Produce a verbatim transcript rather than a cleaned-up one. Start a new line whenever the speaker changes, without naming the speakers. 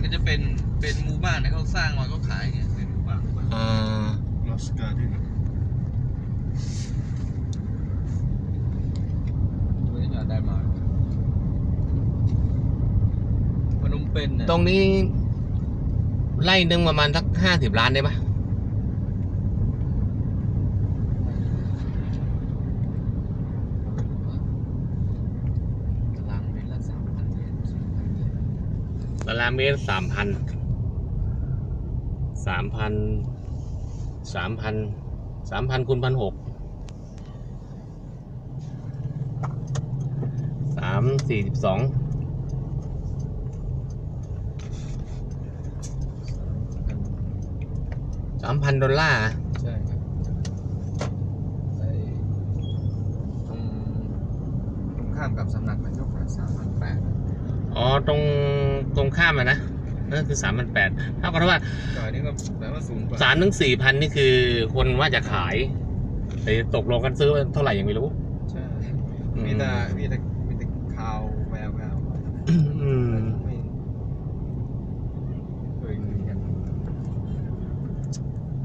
ก็จะเป็นเป็นหมู่บ้านที่เขาสร้างมาเขาขายเนี่ยเป็นหมู่บ้านหมู่บ้าน
อ่า
ลอสการ์เด้น
ตัวนี้ได้มาพนมเปญเนี่ย
ตรงนี้ไร่หนึ่งประมาณสักห้าสิบล้านได้ปะ
ตารางเมตรละสามพันเหรียญ
ตารางเมตรสามพันสามพันสามพันสามพันคูณพันหกสามสี่สิบสองสามพันดอลลาร์
ใช่ครับไอ้ตรงตรงข้ามกับสำนักนายกสามพันแปด
อ๋อตรงตรงข้ามอะนะนั่นคือสามพันแปดเท่ากับว่า
ซอยนี้ก็แปลว่าสูงกว่า
สามถึงสี่พันนี่คือคนว่าจะขายแต่ตกลงกันซื้อเท่าไหร่ยังไม่รู้
ใช่มีแต่มีแต่มีแต่ข่าวแววแวว
อ